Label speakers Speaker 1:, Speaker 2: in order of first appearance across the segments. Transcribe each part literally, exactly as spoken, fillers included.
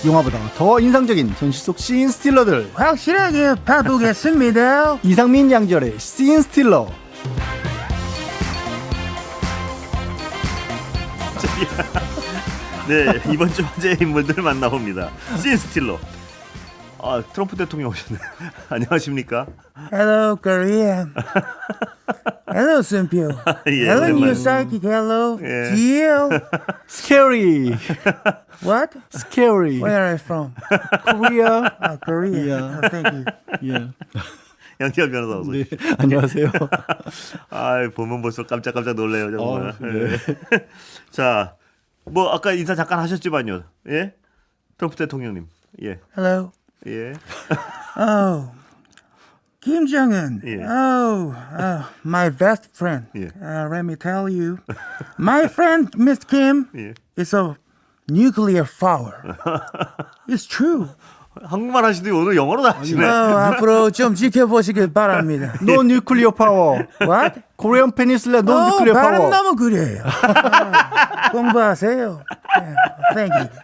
Speaker 1: 영화보다 더 인상적인 전시 속 씬 스틸러들
Speaker 2: 확실하게 봐보겠습니다.
Speaker 1: 이상민 양절의 씬 스틸러.
Speaker 3: 네, 이번 주 화제의 인물들 만나봅니다. 씬 스틸러. 아, 트럼프 대통령 오셨네. 안녕하십니까?
Speaker 2: Hello, Korea. Hello, Sunpyo.
Speaker 3: 예,
Speaker 2: Hello,
Speaker 3: 오랜만에.
Speaker 2: New Psychic. Hello,
Speaker 3: 예.
Speaker 2: Gio.
Speaker 1: Scary.
Speaker 2: What?
Speaker 1: Scary.
Speaker 2: Where are you from?
Speaker 1: Korea.
Speaker 2: Oh, Korea.
Speaker 1: Yeah.
Speaker 2: Oh, thank you.
Speaker 1: 예.
Speaker 3: 양지열 변호사 어서
Speaker 1: 네, 안녕하세요.
Speaker 3: 아, 보면 벌써 깜짝깜짝 놀래요, 정말.
Speaker 1: 어, 네.
Speaker 3: 자, 뭐 아까 인사 잠깐 하셨지만요. 예? 트럼프 대통령님. 예.
Speaker 2: Hello.
Speaker 3: 예.
Speaker 2: Oh, Kim Jong-un.
Speaker 3: Yeah.
Speaker 2: Oh, uh, my best friend.
Speaker 3: Yeah.
Speaker 2: Uh, let me tell you, my friend Miss Kim
Speaker 3: 예.
Speaker 2: is a nuclear power. It's true.
Speaker 3: 한국말 하시더니 오늘 영어로 다 하시네.
Speaker 2: 어, 앞으로 좀 지켜보시길 바랍니다.
Speaker 1: No nuclear power.
Speaker 2: What?
Speaker 1: Korean Peninsula no
Speaker 2: 어,
Speaker 1: nuclear
Speaker 2: 발음
Speaker 1: power.
Speaker 2: 너무 그래요. 아, 공부하세요. 네, thank you.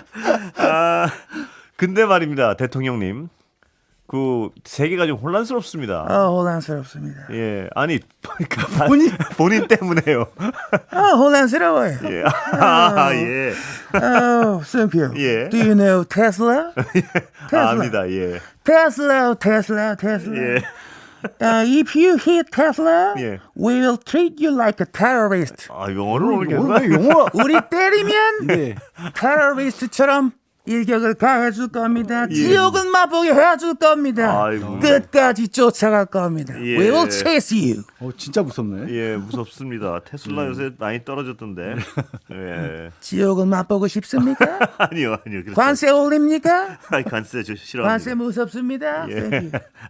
Speaker 3: 아, 근데 말입니다, 대통령님. 그 세계가 좀 혼란스럽습니다.
Speaker 2: 어, 혼란스럽습니다.
Speaker 3: 예, 아니 그러니까 본인 본인 때문에요.
Speaker 2: 어, 혼란스러워요.
Speaker 3: 예, 아, 예,
Speaker 2: 어, 승표.
Speaker 3: 예.
Speaker 2: Do you know Tesla?
Speaker 3: 아, 압니다, 예,
Speaker 2: Tesla, Tesla, Tesla.
Speaker 3: 예,
Speaker 2: Uh, if you hit Tesla,
Speaker 3: 예.
Speaker 2: we will treat you like a terrorist.
Speaker 3: 아, 영어를 모르겠나?
Speaker 1: 오늘 왜 영어?
Speaker 2: 우리 때리면
Speaker 1: 네.
Speaker 2: 테러리스트처럼 일격을 가해줄 겁니다.
Speaker 3: 예.
Speaker 2: 지옥은 맛보게 해줄 겁니다.
Speaker 3: 아이고.
Speaker 2: 끝까지 쫓아갈 겁니다.
Speaker 3: 예.
Speaker 2: We will chase you.
Speaker 1: 어, 진짜 무섭네.
Speaker 3: 예, 무섭습니다. 테슬라 요새 많이 떨어졌던데. 예,
Speaker 2: 지옥은 맛보고 싶습니까?
Speaker 3: 아니요, 아니요. 그렇죠.
Speaker 2: 관세 올립니까?
Speaker 3: 아니, 관세 저
Speaker 2: 관세
Speaker 3: 싫어합니다.
Speaker 2: 무섭습니다.
Speaker 3: 예.
Speaker 2: Thank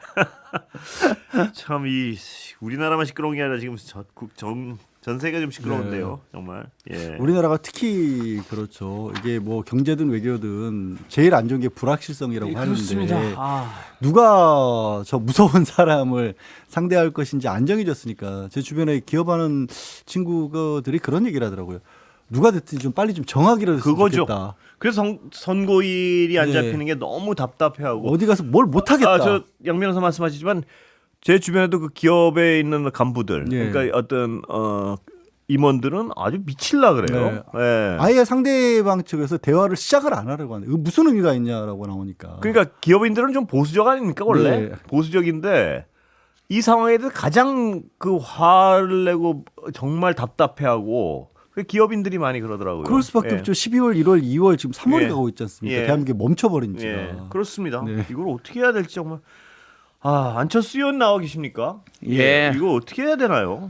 Speaker 2: you.
Speaker 3: 참 이 우리나라만 시끄러운 게 아니라 지금 전, 국- 전, 전 세계가 좀 시끄러운데요, 정말. 예.
Speaker 1: 우리나라가 특히 그렇죠. 이게 뭐 경제든 외교든 제일 안 좋은 게 불확실성이라고
Speaker 3: 예,
Speaker 1: 하는데
Speaker 3: 그렇습니다. 아.
Speaker 1: 누가 저 무서운 사람을 상대할 것인지 안정해졌으니까 제 주변에 기업하는 친구들이 그런 얘기를 하더라고요. 누가 됐든 좀 빨리 좀 정하기로 했으면
Speaker 3: 그거죠.
Speaker 1: 좋겠다.
Speaker 3: 그래서 선, 선고일이 안
Speaker 1: 네.
Speaker 3: 잡히는 게 너무 답답해하고.
Speaker 1: 어디 가서 뭘 못하겠다.
Speaker 3: 아, 저 양 변호사 말씀하시지만 제 주변에도 그 기업에 있는 간부들,
Speaker 1: 예.
Speaker 3: 그러니까 어떤 어, 임원들은 아주 미칠라 그래요. 예.
Speaker 1: 아예 상대방 측에서 대화를 시작을 안 하려고 하는데 무슨 의미가 있냐라고 나오니까.
Speaker 3: 그러니까 기업인들은 좀 보수적 아닙니까 원래?
Speaker 1: 네.
Speaker 3: 보수적인데 이 상황에 대해서 가장 그 화를 내고 정말 답답해하고 그 기업인들이 많이 그러더라고요.
Speaker 1: 그럴 수밖에
Speaker 3: 예.
Speaker 1: 없죠. 십이월, 일월, 이월 지금 삼월이
Speaker 3: 예.
Speaker 1: 가고 있지 않습니까?
Speaker 3: 예.
Speaker 1: 대한민국이 멈춰버린 지가.
Speaker 3: 예, 그렇습니다.
Speaker 1: 네.
Speaker 3: 이걸 어떻게 해야 될지 정말. 아, 안철수 의원 나와 계십니까?
Speaker 4: 예.
Speaker 3: 이거 어떻게 해야 되나요?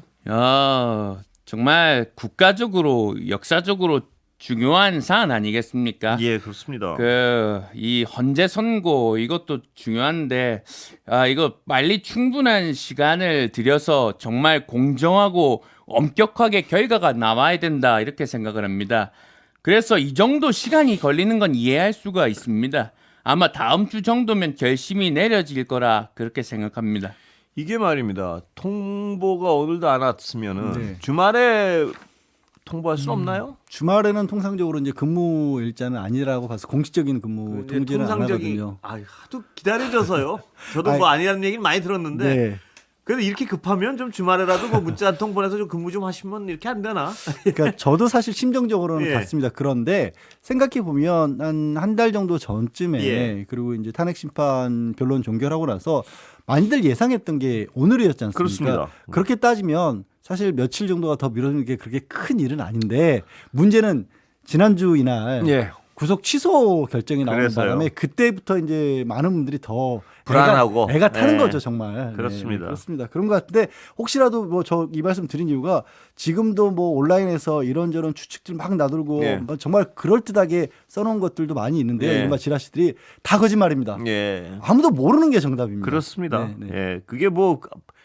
Speaker 4: 어, 정말 국가적으로 역사적으로 중요한 사안 아니겠습니까?
Speaker 3: 예, 그렇습니다.
Speaker 4: 그 이 헌재 선고 이것도 중요한데 아 이거 빨리 충분한 시간을 들여서 정말 공정하고 엄격하게 결과가 나와야 된다 이렇게 생각을 합니다. 그래서 이 정도 시간이 걸리는 건 이해할 수가 있습니다. 아마 다음 주 정도면 결심이 내려질 거라 그렇게 생각합니다.
Speaker 3: 이게 말입니다. 통보가 오늘도 안 왔으면은
Speaker 1: 네.
Speaker 3: 주말에 통보할 수 없나요?
Speaker 1: 주말에는 통상적으로 이제 근무 일자는 아니라고 봐서 공식적인 근무
Speaker 3: 이제
Speaker 1: 통지는 안 하거든요.
Speaker 3: 아, 하도 기다려져서요. 저도
Speaker 1: 아이,
Speaker 3: 뭐 아니라는 얘기는 많이 들었는데
Speaker 1: 네.
Speaker 3: 그래도 이렇게 급하면 좀 주말에라도 뭐 문자 한 통 보내서 좀 근무 좀 하시면 이렇게 안 되나?
Speaker 1: 그러니까 저도 사실 심정적으로는
Speaker 3: 예.
Speaker 1: 같습니다. 그런데 생각해 보면 한 한 달 정도 전쯤에
Speaker 3: 예.
Speaker 1: 그리고 이제 탄핵 심판 변론 종결하고 나서 많이들 예상했던 게 오늘이었지 않습니까?
Speaker 3: 그렇습니다.
Speaker 1: 그렇게 따지면 사실 며칠 정도가 더 미뤄지는 게 그렇게 큰 일은 아닌데 문제는 지난주 이날
Speaker 3: 예.
Speaker 1: 구속 취소 결정이 나오는
Speaker 3: 그래서요.
Speaker 1: 바람에 그때부터 이제 많은 분들이 더
Speaker 3: 불안하고.
Speaker 1: 애가, 애가 타는
Speaker 3: 네.
Speaker 1: 거죠 정말.
Speaker 3: 그렇습니다.
Speaker 1: 네, 그렇습니다. 그런 것 같은데 혹시라도 뭐 저 이 말씀 드린 이유가 지금도 뭐 온라인에서 이런저런 추측들 막 나돌고
Speaker 3: 네.
Speaker 1: 뭐 정말 그럴 듯하게 써놓은 것들도 많이 있는데요.
Speaker 3: 네.
Speaker 1: 이른바 지라시들이 다 거짓말입니다.
Speaker 3: 예.
Speaker 1: 아무도 모르는 게 정답입니다.
Speaker 3: 그렇습니다.
Speaker 1: 네, 네.
Speaker 3: 예. 그게 뭐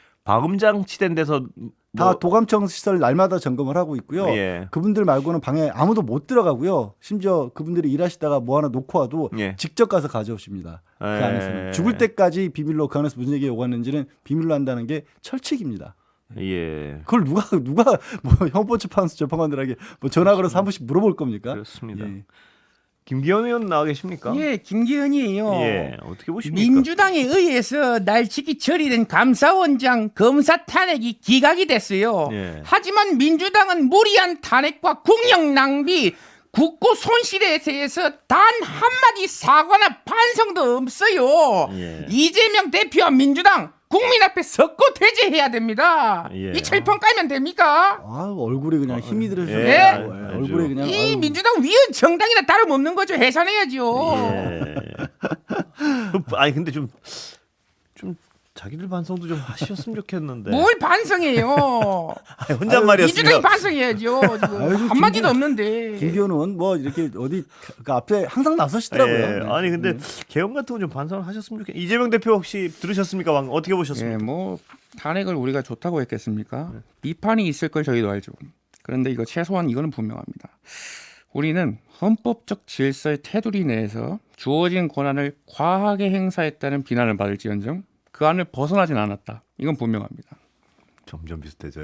Speaker 3: 방음장 치된 데서
Speaker 1: 다
Speaker 3: 뭐,
Speaker 1: 도감청 시설 날마다 점검을 하고 있고요.
Speaker 3: 예.
Speaker 1: 그분들 말고는 방에 아무도 못 들어가고요. 심지어 그분들이 일하시다가 뭐 하나 놓고 와도
Speaker 3: 예.
Speaker 1: 직접 가서 가져오십니다. 그
Speaker 3: 예.
Speaker 1: 안에서는 죽을 때까지 비밀로 그 안에서 무슨 얘기가 오갔는지는 비밀로 한다는 게 철칙입니다.
Speaker 3: 예.
Speaker 1: 그걸 누가 누가 뭐 헌법재판소 재판관들에게 뭐 전화 걸어서 한 번씩 물어볼 겁니까?
Speaker 3: 그렇습니다.
Speaker 1: 예.
Speaker 3: 김기현 의원 나와 계십니까?
Speaker 5: 예, 김기현이에요.
Speaker 3: 예, 어떻게 보십니까?
Speaker 5: 민주당에 의해서 날치기 처리된 감사원장 검사 탄핵이 기각이 됐어요.
Speaker 3: 예.
Speaker 5: 하지만 민주당은 무리한 탄핵과 국력 낭비, 국고 손실에 대해서 단 한마디 사과나 반성도 없어요.
Speaker 3: 예.
Speaker 5: 이재명 대표와 민주당 국민 앞에 석고 퇴제해야 됩니다.
Speaker 3: 예.
Speaker 5: 이 철판 깔면 됩니까?
Speaker 1: 아 얼굴에 그냥 힘이 들어서
Speaker 3: 예.
Speaker 5: 예.
Speaker 1: 얼굴에 그냥
Speaker 5: 이
Speaker 1: 아유.
Speaker 5: 민주당 위원 정당이나 다름없는 거죠. 해산해야죠.
Speaker 3: 예. 아니 근데 좀 좀 자기들 반성도 좀 하셨으면 좋겠는데.
Speaker 5: 뭘 반성해요?
Speaker 3: 아니, 혼잣말이었습니다.
Speaker 5: 민주당이 반성해야죠. 지금
Speaker 1: 아유, 좀
Speaker 5: 한마디도
Speaker 1: 김기현-
Speaker 5: 없는데.
Speaker 1: 김기현은 뭐 이렇게 어디 그 앞에 항상 나서시더라고요.
Speaker 3: 예.
Speaker 1: 네.
Speaker 3: 아니 근데 개헌 같은 건 좀 반성을 하셨으면 좋겠. 이재명 대표 혹시 들으셨습니까? 방금 어떻게 보셨습니까?
Speaker 4: 예, 뭐 탄핵을 우리가 좋다고 했겠습니까? 비판이 있을 걸 저희도 알죠. 그런데 이거 최소한 이거는 분명합니다. 우리는 헌법적 질서의 테두리 내에서 주어진 권한을 과하게 행사했다는 비난을 받을지언정 그 안을 벗어나진 않았다. 이건 분명합니다.
Speaker 3: 점점 비슷해져요.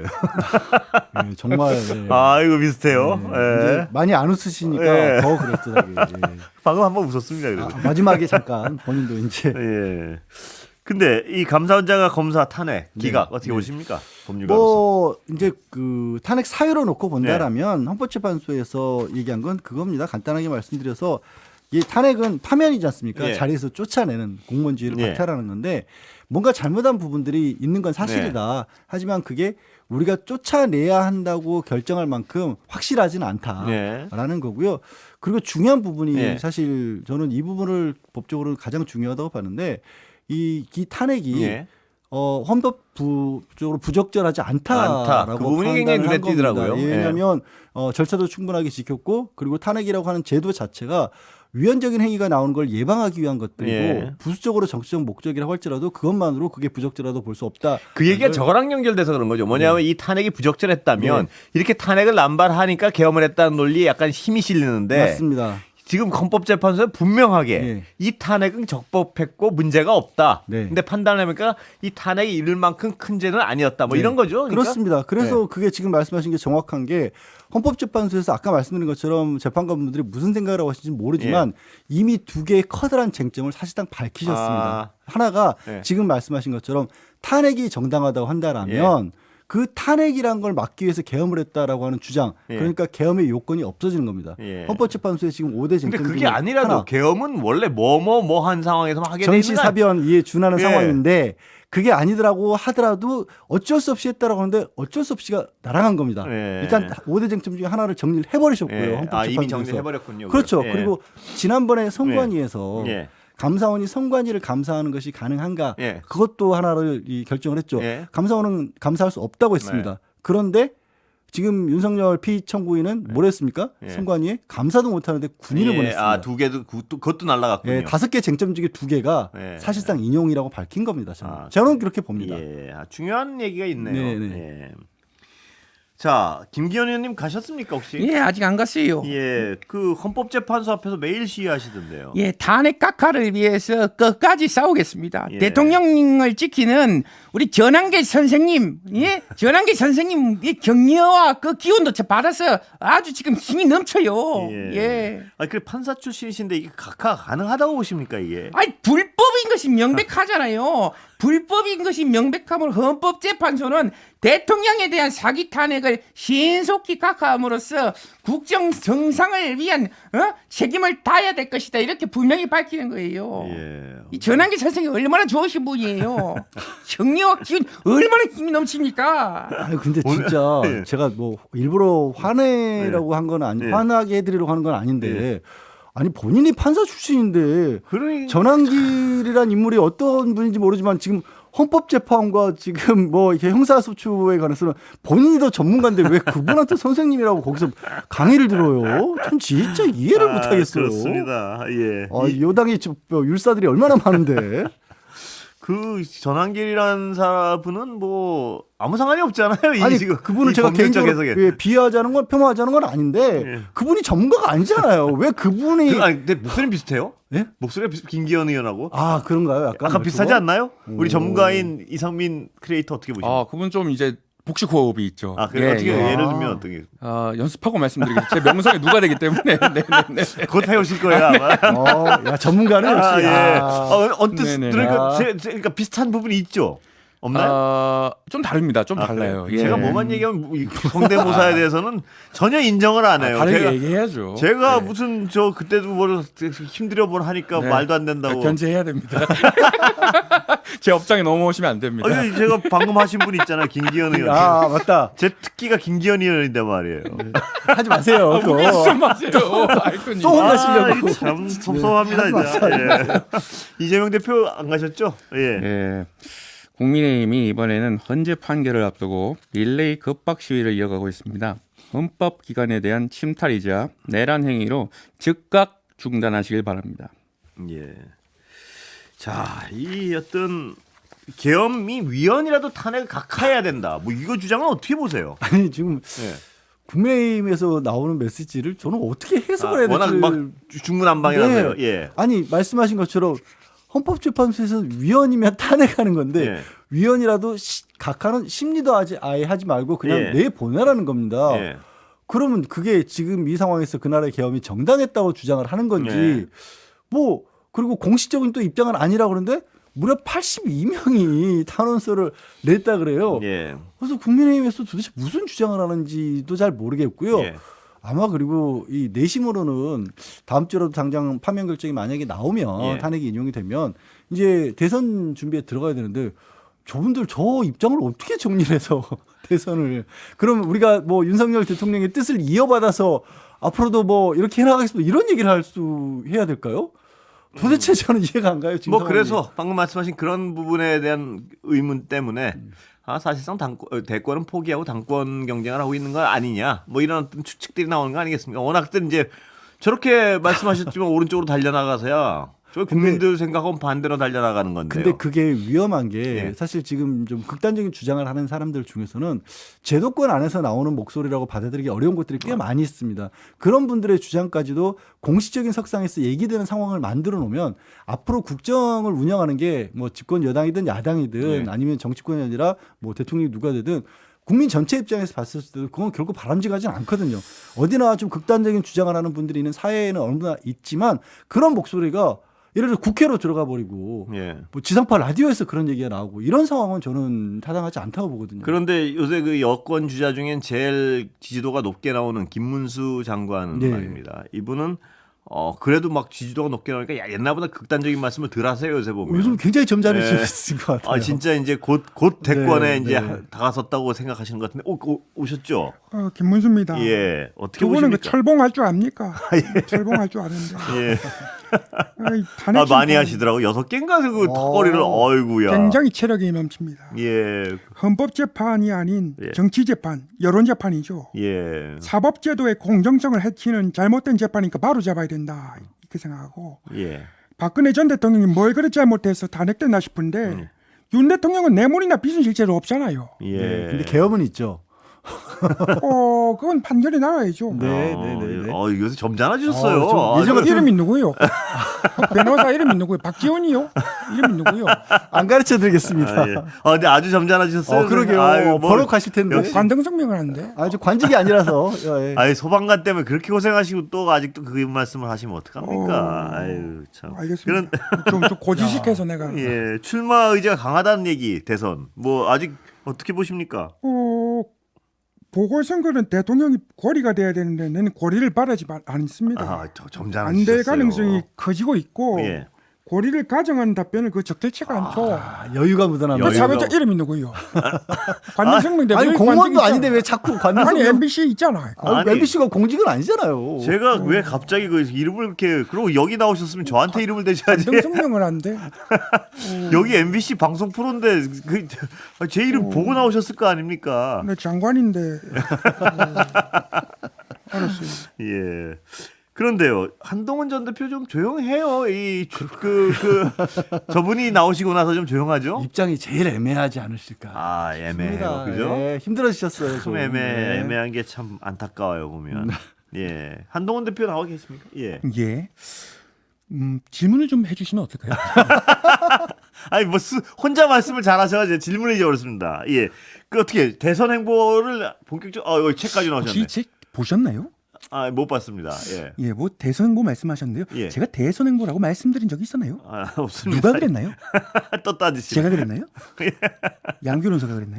Speaker 1: 예, 정말 예.
Speaker 3: 아 이거 비슷해요.
Speaker 1: 예.
Speaker 3: 예.
Speaker 1: 이제 많이 안 웃으시니까
Speaker 3: 예.
Speaker 1: 더 그랬더라고요. 예.
Speaker 3: 방금 한번 웃었습니다. 그래도.
Speaker 1: 아, 마지막에 잠깐 본인도 이제
Speaker 3: 예. 근데 이 감사원장과 검사 탄핵 기각
Speaker 1: 네.
Speaker 3: 어떻게
Speaker 1: 네.
Speaker 3: 보십니까? 법률가로서.
Speaker 1: 뭐 이제 그 탄핵 사유로 놓고 본다라면 헌법재판소에서 얘기한 건 그겁니다. 간단하게 말씀드려서 이 탄핵은 파면이지 않습니까?
Speaker 3: 예.
Speaker 1: 자리에서 쫓아내는 공무원주의를
Speaker 3: 예.
Speaker 1: 박탈하는 건데 뭔가 잘못한 부분들이 있는 건 사실이다. 하지만 그게 우리가 쫓아내야 한다고 결정할 만큼 확실하지는 않다라는
Speaker 3: 예.
Speaker 1: 거고요. 그리고 중요한 부분이
Speaker 3: 예.
Speaker 1: 사실 저는 이 부분을 법적으로 가장 중요하다고 봤는데 이, 이 탄핵이
Speaker 3: 예.
Speaker 1: 어, 헌법적으로 부적절하지 않다라고
Speaker 3: 않다. 그 부분이 굉장히
Speaker 1: 판단을 한
Speaker 3: 눈에 띄더라고요.
Speaker 1: 겁니다. 예, 왜냐하면 어, 절차도 충분하게 지켰고 그리고 탄핵이라고 하는 제도 자체가 위헌적인 행위가 나오는 걸 예방하기 위한 것들이고
Speaker 3: 예.
Speaker 1: 부수적으로 정치적 목적이라고 할지라도 그것만으로 그게 부적절하도 볼 수 없다.
Speaker 3: 그 얘기가 저거랑 연결돼서 그런 거죠. 뭐냐면 이 탄핵이 부적절했다면 이렇게 탄핵을 남발하니까 개엄을 했다는 논리에 약간 힘이 실리는데
Speaker 1: 맞습니다.
Speaker 3: 지금 헌법재판소는 분명하게
Speaker 1: 예.
Speaker 3: 이 탄핵은 적법했고 문제가 없다.
Speaker 1: 네.
Speaker 3: 근데 판단하니까 이 탄핵이 이를 만큼 큰 죄는 아니었다. 뭐
Speaker 1: 네.
Speaker 3: 이런 거죠. 그러니까?
Speaker 1: 그렇습니다. 그래서 그게 지금 말씀하신 게 정확한 게 헌법재판소에서 아까 말씀드린 것처럼 재판관분들이 무슨 생각을 하고 하시는지 모르지만 이미 두 개의 커다란 쟁점을 사실상 밝히셨습니다.
Speaker 3: 아.
Speaker 1: 하나가
Speaker 3: 네.
Speaker 1: 지금 말씀하신 것처럼 탄핵이 정당하다고 한다라면 그 탄핵이란 걸 막기 위해서 계엄을 했다라고 하는 주장,
Speaker 3: 예.
Speaker 1: 그러니까 계엄의 요건이 없어지는 겁니다.
Speaker 3: 예.
Speaker 1: 헌법재판소에 지금 오 대
Speaker 3: 근데
Speaker 1: 쟁점
Speaker 3: 그게
Speaker 1: 중에
Speaker 3: 아니라도
Speaker 1: 하나,
Speaker 3: 계엄은 원래 뭐 뭐 뭐 한 상황에서만 하게 되는
Speaker 1: 전시사변 이에 준하는
Speaker 3: 예.
Speaker 1: 상황인데 그게 아니더라고 하더라도 어쩔 수 없이 했다라고 하는데 어쩔 수 없이가 날아간 겁니다.
Speaker 3: 예.
Speaker 1: 일단 오 대 쟁점 중에 하나를 정리를 해버리셨고요.
Speaker 3: 예.
Speaker 1: 헌법재판소에서.
Speaker 3: 아, 이미 정리해버렸군요.
Speaker 1: 그렇죠.
Speaker 3: 예.
Speaker 1: 그리고 지난번에 선관위에서
Speaker 3: 예.
Speaker 1: 감사원이 선관위를 감사하는 것이 가능한가
Speaker 3: 예.
Speaker 1: 그것도 하나를 이 결정을 했죠.
Speaker 3: 예.
Speaker 1: 감사원은 감사할 수 없다고 했습니다.
Speaker 3: 네.
Speaker 1: 그런데 지금 윤석열 피청구인은 뭘 했습니까?
Speaker 3: 예.
Speaker 1: 선관위에 감사도 못하는데 군인을
Speaker 3: 예.
Speaker 1: 보냈습니다.
Speaker 3: 아, 두 개도 그- 또 그것도 날라갔군요.
Speaker 1: 예, 다섯 개 쟁점 중에 두 개가
Speaker 3: 예.
Speaker 1: 사실상 인용이라고 밝힌 겁니다. 저는,
Speaker 3: 아,
Speaker 1: 저는 그렇게 봅니다.
Speaker 3: 예, 아, 중요한 얘기가 있네요.
Speaker 1: 네, 네.
Speaker 3: 예. 자, 김기현 의원님 가셨습니까 혹시?
Speaker 5: 예, 아직 안 갔어요.
Speaker 3: 예, 그 헌법재판소 앞에서 매일 시위하시던데요.
Speaker 5: 예, 탄핵 각하를 위해서 끝까지 싸우겠습니다.
Speaker 3: 예.
Speaker 5: 대통령을 지키는 우리 전한계 선생님, 예, 전한계 선생님 이 격려와 그 기운도 저 받아서 아주 지금 힘이 넘쳐요. 예.
Speaker 3: 아, 그 판사 출신이신데 이게 각하 가능하다고 보십니까 이게?
Speaker 5: 아니 불법인 것이 명백하잖아요. 불법인 것이 명백함을 헌법재판소는 대통령에 대한 사기 탄핵을 신속히 각하함으로써 국정 정상을 위한 어? 책임을 다해야 될 것이다 이렇게 분명히 밝히는 거예요.
Speaker 3: 예.
Speaker 5: 이 전한기 선생이 얼마나 좋으신 분이에요. 격려와 기운 얼마나 힘이 넘칩니까?
Speaker 1: 아니 근데 진짜
Speaker 3: 예.
Speaker 1: 제가 뭐 일부러 화내라고 한 건 아니
Speaker 3: 예.
Speaker 1: 화나게 해드리려고 하는 건 아닌데 아니 본인이 판사 출신인데
Speaker 3: 그러니
Speaker 1: 전한길이란 인물이 어떤 분인지 모르지만 지금 헌법재판과 지금 뭐 이렇게 형사소추에 관해서는 본인이 더 전문가인데 왜 그분한테 선생님이라고 거기서 강의를 들어요? 전 진짜 이해를
Speaker 3: 아,
Speaker 1: 못하겠어요.
Speaker 3: 그렇습니다. 예.
Speaker 1: 아,
Speaker 3: 이-
Speaker 1: 여당이 저- 율사들이 얼마나 많은데.
Speaker 3: 그 전한길이라는 사람은 뭐 아무 상관이 없잖아요. 이
Speaker 1: 아니
Speaker 3: 지금
Speaker 1: 그분을
Speaker 3: 이
Speaker 1: 제가
Speaker 3: 법률적
Speaker 1: 개인적으로
Speaker 3: 해석에.
Speaker 1: 예, 비하하자는 건 폄하하자는 건 아닌데
Speaker 3: 예.
Speaker 1: 그분이 전문가가 아니잖아요. 왜 그분이
Speaker 3: 그, 아니, 근데 목소리 비슷해요?
Speaker 1: 예?
Speaker 3: 목소리가 비슷, 김기현 의원하고.
Speaker 1: 아 그런가요? 약간
Speaker 3: 약간 비슷하지 않나요? 우리
Speaker 1: 오.
Speaker 3: 전문가인 이상민 크리에이터 어떻게 보십니까?
Speaker 4: 아, 그분 좀 이제 복식 호흡이 있죠.
Speaker 3: 아, 그래
Speaker 4: 예,
Speaker 3: 어떻게
Speaker 4: 예.
Speaker 3: 예를 들면 어떻게?
Speaker 4: 어, 연습하고 말씀드리겠습니다. 제 명성에 누가 되기 때문에. 네, 네, 네.
Speaker 3: 곧 해오실 거예요 아마.
Speaker 1: 어, 야 전문가는 역시.
Speaker 3: 아, 예.
Speaker 1: 아.
Speaker 3: 어, 언뜻
Speaker 4: 네네.
Speaker 3: 들으니까
Speaker 1: 아.
Speaker 3: 제, 제, 그러니까 비슷한 부분이 있죠. 없나요?
Speaker 4: 어, 좀 다릅니다. 좀
Speaker 3: 아,
Speaker 4: 달라요.
Speaker 3: 그래요?
Speaker 4: 예.
Speaker 3: 제가 뭐만 얘기하면 뭐 이 성대모사에 대해서는 전혀 인정을 안 해요.
Speaker 4: 다르게
Speaker 3: 제가,
Speaker 4: 얘기해야죠.
Speaker 3: 제가
Speaker 4: 네.
Speaker 3: 무슨 저 그때도 뭘 힘들어 뭘 하니까
Speaker 4: 네.
Speaker 3: 말도 안 된다고.
Speaker 4: 견제해야 됩니다. 제 업장에 넘어오시면 안 됩니다.
Speaker 3: 아니, 제가 방금 하신 분 있잖아요, 김기현 의원.
Speaker 1: 아 맞다.
Speaker 3: 제 특기가 김기현 의원인데 말이에요.
Speaker 1: 하지 마세요. 또.
Speaker 4: 무슨 마세요. 아이콘이.
Speaker 1: 또 혼나시려고.
Speaker 3: 아, 이거 참 섭섭합니다. 진짜. 예. 이재명 대표 안 가셨죠? 예.
Speaker 4: 예. 국민의힘이 이번에는 헌재 판결을 앞두고 릴레이 급박 시위를 이어가고 있습니다. 헌법 기관에 대한 침탈이자 내란 행위로 즉각 중단하시길 바랍니다.
Speaker 3: 예. 자, 이 어떤 계엄이 위헌이라도 탄핵을 각하해야 된다. 뭐 이거 주장은 어떻게 보세요?
Speaker 1: 아니 지금
Speaker 3: 예.
Speaker 1: 국민의힘에서 나오는 메시지를 저는 어떻게 해석을 해야
Speaker 3: 아, 워낙
Speaker 1: 될지.
Speaker 3: 막 중구난방이라서요.
Speaker 1: 네.
Speaker 3: 예.
Speaker 1: 아니 말씀하신 것처럼 헌법재판소에서 위헌이면 탄핵하는 건데
Speaker 3: 예.
Speaker 1: 위헌이라도 시, 각하는 심리도 하지 아예 하지 말고 그냥
Speaker 3: 예.
Speaker 1: 내보내라는 겁니다.
Speaker 3: 예.
Speaker 1: 그러면 그게 지금 이 상황에서 그 나라의 계엄이 정당했다고 주장을 하는 건지
Speaker 3: 예.
Speaker 1: 뭐 그리고 공식적인 또 입장은 아니라 그러는데 무려 팔십이 명이 탄원서를 냈다 그래요.
Speaker 3: 예.
Speaker 1: 그래서 국민의힘에서 도대체 무슨 주장을 하는지도 잘 모르겠고요.
Speaker 3: 예.
Speaker 1: 아마 그리고 이 내심으로는 다음 주라도 당장 파면 결정이 만약에 나오면
Speaker 3: 예.
Speaker 1: 탄핵이 인용이 되면 이제 대선 준비에 들어가야 되는데 저분들 저 입장을 어떻게 정리를 해서 대선을 그럼 우리가 뭐 윤석열 대통령의 뜻을 이어받아서 앞으로도 뭐 이렇게 해나가겠습니다 이런 얘기를 할 수 해야 될까요? 도대체 저는 이해가 안 가요. 지금
Speaker 3: 뭐
Speaker 1: 상황이.
Speaker 3: 그래서 방금 말씀하신 그런 부분에 대한 의문 때문에 아 사실상 당권, 대권은 포기하고 당권 경쟁을 하고 있는 거 아니냐 뭐 이런 어떤 추측들이 나오는 거 아니겠습니까? 워낙들 이제 저렇게 말씀하셨지만 오른쪽으로 달려나가서야 저 국민들 생각하면 반대로 달려나가는 건데요.
Speaker 1: 근데 그게 위험한 게
Speaker 3: 예.
Speaker 1: 사실 지금 좀 극단적인 주장을 하는 사람들 중에서는 제도권 안에서 나오는 목소리라고 받아들이기 어려운 것들이 꽤 많이 있습니다. 그런 분들의 주장까지도 공식적인 석상에서 얘기되는 상황을 만들어 놓으면 앞으로 국정을 운영하는 게 뭐 집권 여당이든 야당이든
Speaker 3: 예.
Speaker 1: 아니면 정치권이 아니라 뭐 대통령이 누가 되든 국민 전체 입장에서 봤을 때도 그건 결코 바람직하진 않거든요. 어디나 좀 극단적인 주장을 하는 분들이 있는 사회에는 어느나 있지만 그런 목소리가 예를 들어 국회로 들어가 버리고
Speaker 3: 예.
Speaker 1: 뭐 지상파 라디오에서 그런 얘기가 나오고 이런 상황은 저는 타당하지 않다고 보거든요.
Speaker 3: 그런데 요새 그 여권 주자 중엔 제일 지지도가 높게 나오는 김문수 장관
Speaker 1: 네.
Speaker 3: 말입니다. 이분은 어 그래도 막 지지도가 높게 나오니까 야, 옛날보다 극단적인 말씀을 덜 하세요 요새 보면.
Speaker 1: 요즘 굉장히 점잖으신
Speaker 3: 네.
Speaker 1: 것 같아요.
Speaker 3: 아 진짜 이제 곧 곧 대권에
Speaker 1: 네,
Speaker 3: 이제
Speaker 1: 네.
Speaker 3: 다가섰다고 생각하시는 것 같은데 오, 오, 오셨죠?
Speaker 2: 어, 김문수입니다.
Speaker 3: 예. 어떻게
Speaker 2: 두 분은 그
Speaker 3: 보십니까?
Speaker 2: 철봉할 줄 압니까? 철봉할 줄 아는데.
Speaker 3: 예.
Speaker 2: 아이, 탄핵
Speaker 3: 아 많이
Speaker 2: 심판
Speaker 3: 하시더라고. 여섯 개인가 그
Speaker 1: 어.
Speaker 3: 턱걸이를 어이구야.
Speaker 2: 굉장히 체력이 넘칩니다.
Speaker 3: 예.
Speaker 2: 헌법재판이 아닌
Speaker 3: 예.
Speaker 2: 정치재판, 여론재판이죠.
Speaker 3: 예.
Speaker 2: 사법제도의 공정성을 해치는 잘못된 재판이니까 바로 잡아야 된다 이렇게 생각하고
Speaker 3: 예.
Speaker 2: 박근혜 전 대통령이 뭘 그렇게 잘못해서 탄핵됐나 싶은데
Speaker 3: 음.
Speaker 2: 윤 대통령은 뇌물이나 빚은 실제로 없잖아요.
Speaker 3: 예.
Speaker 1: 네, 근데 계엄은 있죠.
Speaker 2: 어, 그건 판결이 나와야죠.
Speaker 1: 네,
Speaker 3: 어,
Speaker 1: 네, 네, 네.
Speaker 3: 어, 요새 점잖아지셨어요.
Speaker 1: 어, 좀
Speaker 3: 아,
Speaker 1: 예전
Speaker 2: 그
Speaker 1: 같은-
Speaker 2: 이름이 누구요? 변호사 이름이 누구요? 박지원이요? 이름이 누구요?
Speaker 1: 안 가르쳐 드리겠습니다.
Speaker 3: 아, 예. 아, 근데 아주 점잖아지셨어요.
Speaker 1: 어, 그러게요.
Speaker 3: 아유, 뭐,
Speaker 1: 버럭하실 텐데.
Speaker 3: 역시-
Speaker 2: 관등성명을 하는데.
Speaker 1: 아주 관직이 아니라서. 예.
Speaker 3: 아니 소방관 때문에 그렇게 고생하시고 또 아직도 그 말씀을 하시면 어떡합니까?
Speaker 2: 어,
Speaker 3: 아유 참.
Speaker 2: 알겠습니다. 좀, 좀 고지식해서 내가.
Speaker 3: 예, 출마 의지가 강하다는 얘기 대선. 뭐 아직 어떻게 보십니까?
Speaker 2: 어, 보궐선거는 대통령이 고리가 돼야 되는데 나는 고리를 바라지 마- 않습니다.
Speaker 3: 아, 저
Speaker 2: 안
Speaker 3: 점잖으셨어요.
Speaker 2: 될 가능성이 커지고 있고
Speaker 3: 예.
Speaker 2: 고리를 가정하는 답변을 그 적절치가 않죠.
Speaker 1: 아, 여유가 묻어납니다.
Speaker 2: 그
Speaker 3: 여유가-
Speaker 2: 사회자 이름이 누구요? 관등성명
Speaker 1: 아니 공무원도 아닌데 왜 자꾸 관능
Speaker 2: 아니 엠비씨 있잖아.
Speaker 1: 아,
Speaker 3: 아니.
Speaker 1: 엠비씨가 공직은 아니잖아요.
Speaker 3: 제가 왜 갑자기 그 이름을 이렇게 그리고 여기 나오셨으면 저한테 이름을 대셔야지.
Speaker 2: 관등성명을 한대.
Speaker 3: 여기 엠비씨 방송 프로인데 그 제 이름 보고 나오셨을 거 아닙니까?
Speaker 2: 내 장관인데. 어, 알았어요.
Speaker 3: 예. 그런데요, 한동훈 전 대표 좀 조용해요. 이 그 그 저분이 나오시고 나서 좀 조용하죠?
Speaker 1: 입장이 제일 애매하지 않으실까.
Speaker 3: 아 애매해요,
Speaker 1: 싶습니다.
Speaker 3: 그죠?
Speaker 1: 예, 힘들어지셨어요.
Speaker 3: 참
Speaker 1: 좀.
Speaker 3: 애매
Speaker 1: 네.
Speaker 3: 애매한 게 참 안타까워요 보면. 예, 한동훈 대표 나와 계십니까? 예.
Speaker 5: 예.
Speaker 2: 음, 질문을 좀 해주시면 어떨까요?
Speaker 3: 아니 뭐 스, 혼자 말씀을 잘하셔서 질문이 어렵습니다. 예, 그 어떻게 대선 행보를 본격적 어 여기 책까지 나오셨네.
Speaker 2: 혹시 책 보셨나요?
Speaker 3: 아, 못 봤습니다. 예,
Speaker 2: 예, 뭐 대선 행보 말씀하셨는데요.
Speaker 3: 예.
Speaker 2: 제가 대선 행보라고 말씀드린 적이 있었나요?
Speaker 3: 아, 없습니다.
Speaker 2: 누가 그랬나요?
Speaker 3: 또 따지시.
Speaker 2: 제가 그랬나요? 양 변호사가 그랬나요?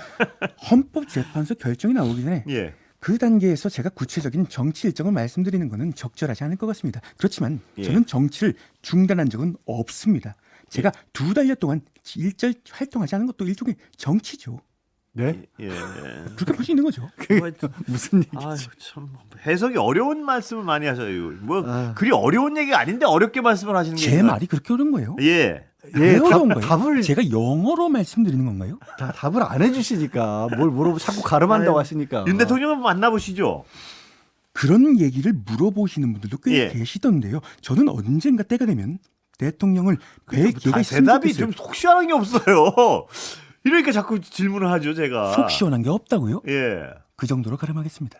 Speaker 2: 헌법재판소 결정이 나오기 전에
Speaker 3: 예,
Speaker 2: 그 단계에서 제가 구체적인 정치 일정을 말씀드리는 것은 적절하지 않을 것 같습니다. 그렇지만
Speaker 3: 예.
Speaker 2: 저는 정치를 중단한 적은 없습니다. 제가 두 달여 동안 일절 활동하지 않은 것도 일종의 정치죠.
Speaker 1: 네?
Speaker 3: 예.
Speaker 2: 그렇게 볼 수 있는 거죠.
Speaker 3: 뭐,
Speaker 1: 무슨 얘기?
Speaker 3: 아유, 참 해석이 어려운 말씀을 많이 하셔요. 뭐
Speaker 1: 아.
Speaker 3: 그리 어려운 얘기가 아닌데 어렵게 말씀을 하시는 게
Speaker 2: 제
Speaker 3: 있나요?
Speaker 2: 말이 그렇게 어려운 거예요?
Speaker 3: 예.
Speaker 2: 왜
Speaker 1: 예,
Speaker 2: 어려운
Speaker 1: 답,
Speaker 2: 거예요?
Speaker 1: 답을
Speaker 2: 제가 영어로 말씀드리는 건가요?
Speaker 1: 다, 답을 안 해주시니까 뭘 물어보 자꾸 가름한다고
Speaker 3: 아유,
Speaker 1: 하시니까.
Speaker 3: 윤 대통령은 만나보시죠.
Speaker 2: 그런 얘기를 물어보시는 분들도 꽤
Speaker 3: 예.
Speaker 2: 계시던데요. 저는 언젠가 때가 되면 대통령을 뵐 기회가
Speaker 3: 다
Speaker 2: 있으면
Speaker 3: 대답이
Speaker 2: 좋겠어요.
Speaker 3: 좀 속 시원한 게 없어요. 이러니까 자꾸 질문을 하죠, 제가.
Speaker 2: 속 시원한 게 없다고요?
Speaker 3: 예.
Speaker 2: 그 정도로 가름하겠습니다.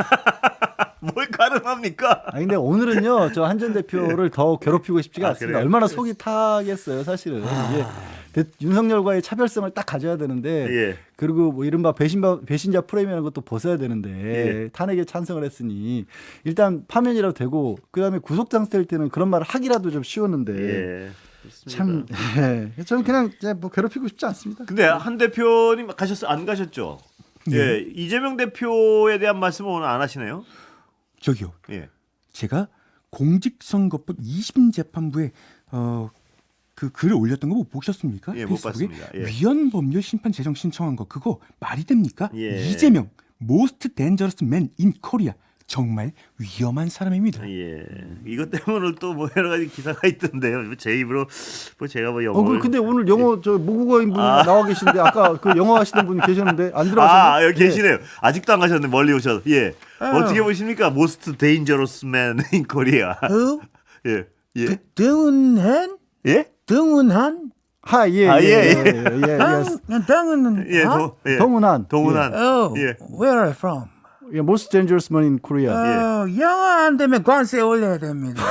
Speaker 3: 뭘 가름합니까?
Speaker 1: 아니 근데 오늘은요 저 한 전 대표를 더 괴롭히고 싶지가
Speaker 3: 아,
Speaker 1: 않습니다.
Speaker 3: 그래요?
Speaker 1: 얼마나 속이 타겠어요 사실은. 이게 대- 윤석열과의 차별성을 딱 가져야 되는데
Speaker 3: 예.
Speaker 1: 그리고 뭐 이른바 배신바, 배신자 프레임이라는 것도 벗어야 되는데
Speaker 3: 예.
Speaker 1: 탄핵에 찬성을 했으니 일단 파면이라도 되고 그다음에 구속장될 때는 그런 말을 하기라도 좀 쉬웠는데
Speaker 3: 예.
Speaker 1: 참 예. 저는 그냥 이제 뭐 괴롭히고 싶지 않습니다.
Speaker 3: 근데 한 대표님 가셨어 안 가셨죠? 예. 이재명 대표에 대한 말씀은 오늘 안 하시네요.
Speaker 2: 저기요.
Speaker 3: 예.
Speaker 2: 제가 공직선거법 이십 인 재판부에 어, 그 글을 올렸던 거 못 보셨습니까?
Speaker 3: 예, 못
Speaker 2: 페이스북에?
Speaker 3: 봤습니다. 예.
Speaker 2: 위헌 법률 심판 제정 신청한 거 그거 말이 됩니까?
Speaker 3: 예.
Speaker 2: 이재명 most dangerous man in Korea 정말 위험한 사람입니다.
Speaker 3: 예. 이것 때문에 또 뭐 여러 가지 기사가 있던데요. 제 입으로 뭐 제가 뭐
Speaker 1: 어,
Speaker 3: 영어를
Speaker 1: 그- 근데 오늘 영어 저 모국어인 분이
Speaker 3: 아.
Speaker 1: 나와 계신데 아까 그 영어 하시던 분이 계셨는데 안 들어가셨나요?
Speaker 3: 아, 여기
Speaker 1: 예.
Speaker 3: 계시네요. 아직도 안 가셨네. 멀리 오셔서. 예.
Speaker 5: 어.
Speaker 3: 어떻게 보십니까? Most dangerous man in Korea.
Speaker 5: 어?
Speaker 3: 예. 예.
Speaker 5: 등은한?
Speaker 3: 예?
Speaker 5: 등은한?
Speaker 1: 하, 예,
Speaker 3: 아,
Speaker 1: 예,
Speaker 3: 예,
Speaker 1: 예,
Speaker 3: 예.
Speaker 1: 예, 예, 예.
Speaker 5: 등은
Speaker 3: 예. 도, 예.
Speaker 1: 동훈한.
Speaker 3: 동훈한.
Speaker 5: Oh,
Speaker 3: 예.
Speaker 5: where are you from?
Speaker 1: 예, most dangerous man in Korea.
Speaker 5: 어, 영어 안 되면 관세 올려야 됩니다.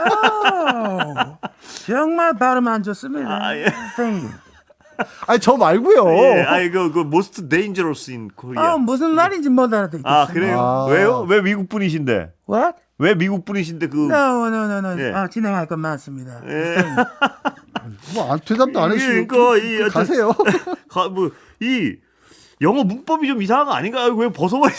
Speaker 5: 어, 정말 발음 안 좋습니다.
Speaker 3: 아, 예.
Speaker 5: Thank you.
Speaker 1: 아니 저 말고요.
Speaker 3: 예. 아이 그, 그 most dangerous in Korea.
Speaker 5: 어, 무슨 말인지 못 알아듣겠어요.
Speaker 3: 아, 그래요?
Speaker 1: 아.
Speaker 3: 왜요? 왜 미국 분이신데?
Speaker 5: What?
Speaker 3: 왜 미국 분이신데 그
Speaker 5: No, no, no, no.
Speaker 3: 예.
Speaker 5: 아, 진행할 건 많습니다.
Speaker 3: 예.
Speaker 1: 뭐 안, 대답도 안 해주시고
Speaker 3: 그러니까 이 어떤-
Speaker 1: 가세요.
Speaker 3: 가, 뭐, 이 영어 문법이 좀 이상한 거 아닌가요? 왜 벗어버리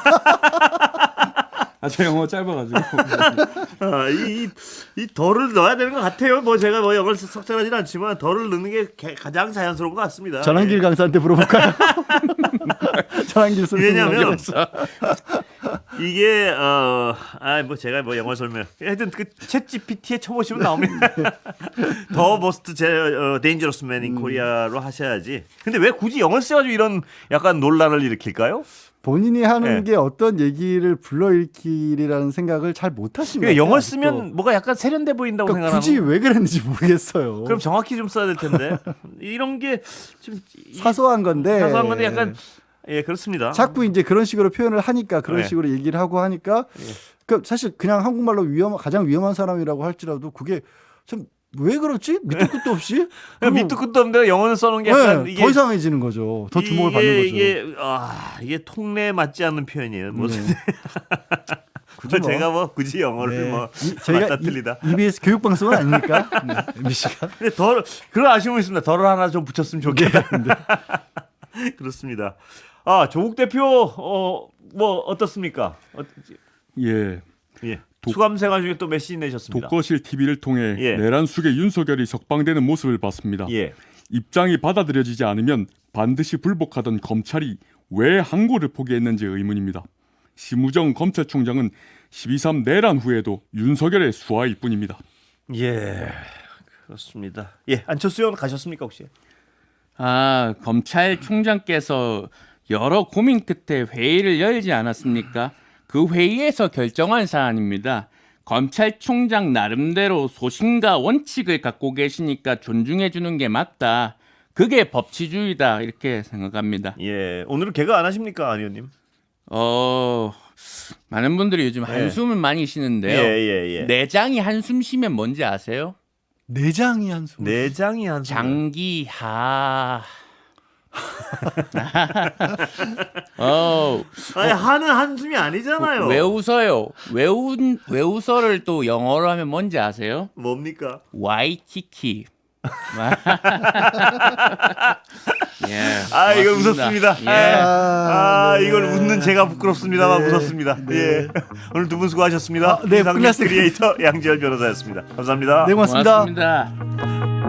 Speaker 4: 아, 저 영어 짧아가지고.
Speaker 3: 아, 이, 이, 이 덜을 넣어야 되는 것 같아요. 뭐 제가 뭐 영어를 석잘하진 않지만 덜을 넣는 게 개- 가장 자연스러운 것 같습니다.
Speaker 1: 전환길 강사한테 물어볼까요? 전환길
Speaker 3: 예.
Speaker 1: 선생님.
Speaker 3: 왜냐면 이게 어아뭐 제가 뭐 영어 설명 하여튼 그 챗 지피티에 쳐보시면 나옵니다. 더 머스트 제 어, 데인저러스 맨 인 코리아로 하셔야지. 근데 왜 굳이 영어 써가지고 이런 약간 논란을 일으킬까요?
Speaker 1: 본인이 하는
Speaker 3: 예.
Speaker 1: 게 어떤 얘기를 불러일으키리라는 생각을 잘 못하시는
Speaker 3: 그러니까
Speaker 1: 것
Speaker 3: 영어
Speaker 1: 같아요,
Speaker 3: 쓰면
Speaker 1: 아직도.
Speaker 3: 뭐가 약간 세련돼 보인다고
Speaker 1: 그러니까
Speaker 3: 생각하는.
Speaker 1: 굳이 왜 그랬는지 모르겠어요.
Speaker 3: 그럼 정확히 좀 써야 될 텐데 이런 게 좀
Speaker 1: 사소한 건데.
Speaker 3: 사소한 건데 약간 예 그렇습니다.
Speaker 1: 자꾸 이제 그런 식으로 표현을 하니까 그런
Speaker 3: 네.
Speaker 1: 식으로 얘기를 하고 하니까 그 사실 그냥 한국말로 위험 가장 위험한 사람이라고 할지라도 그게 참 왜 그렇지? 밑도 끝도 없이
Speaker 3: 그냥 밑도 끝도 없는데 영어는 써놓은 게 약간
Speaker 1: 네,
Speaker 3: 이게
Speaker 1: 더 이상해지는 거죠. 더 주목을
Speaker 3: 이게,
Speaker 1: 받는 거죠.
Speaker 3: 이게 아 이게 통례에 맞지 않는 표현이에요. 뭐
Speaker 1: 네. 굳이 뭐.
Speaker 3: 제가 뭐 굳이 영어를
Speaker 1: 네.
Speaker 3: 뭐
Speaker 1: 이- 저희가
Speaker 3: 맞다 틀리다.
Speaker 1: 이, 이비에스 교육 방송은 아닙니까? 네, 엠비씨가.
Speaker 3: 근데 덜 그런 아쉬움이 있습니다. 덜을 하나 좀 붙였으면 좋겠다. 그렇습니다. 아 조국 대표 어뭐 어떻습니까? 어떻지?
Speaker 6: 예,
Speaker 3: 예.
Speaker 6: 독-
Speaker 3: 수감생활 중에 또 메시지 내셨습니다.
Speaker 6: 독거실 티비를 통해
Speaker 3: 예.
Speaker 6: 내란 속에 윤석열이 석방되는 모습을 봤습니다.
Speaker 3: 예.
Speaker 6: 입장이 받아들여지지 않으면 반드시 불복하던 검찰이 왜 항고를 포기했는지 의문입니다. 심우정 검찰총장은 십이 삼 내란 후에도 윤석열의 수하일 뿐입니다.
Speaker 3: 예. 그렇습니다. 예. 안철수 의원 가셨습니까 혹시?
Speaker 4: 아, 검찰총장께서 여러 고민 끝에 회의를 열지 않았습니까? 그 회의에서 결정한 사안입니다. 검찰총장 나름대로 소신과 원칙을 갖고 계시니까 존중해 주는 게 맞다. 그게 법치주의다 이렇게 생각합니다.
Speaker 3: 예. 오늘은 개가 안 하십니까, 안 의원님?
Speaker 4: 어, 많은 분들이 요즘 한숨을 많이 쉬는데요.
Speaker 3: 예예 예.
Speaker 4: 내장이 한숨 쉬면 뭔지 아세요?
Speaker 1: 내장이 한숨.
Speaker 3: 내장이 한숨.
Speaker 4: 장기하. 어,
Speaker 3: 아니 하는 한숨이 아니잖아요.
Speaker 4: 왜 웃어요? 왜, 웃, 왜 웃어를 또 영어로 하면 뭔지 아세요?
Speaker 3: 뭡니까?
Speaker 4: 와이키키. 예,
Speaker 3: 아 이걸
Speaker 4: 고맙습니다.
Speaker 3: 웃었습니다.
Speaker 4: 예.
Speaker 3: 아, 아
Speaker 1: 네.
Speaker 3: 이걸 웃는 제가 부끄럽습니다만
Speaker 1: 네.
Speaker 3: 웃었습니다. 예. 오늘 두 분 수고하셨습니다.
Speaker 1: 아, 네,
Speaker 3: 이상민
Speaker 1: 끝났습니다.
Speaker 3: 크리에이터 양지열 변호사였습니다. 감사합니다.
Speaker 1: 네, 고맙습니다.
Speaker 4: 고맙습니다.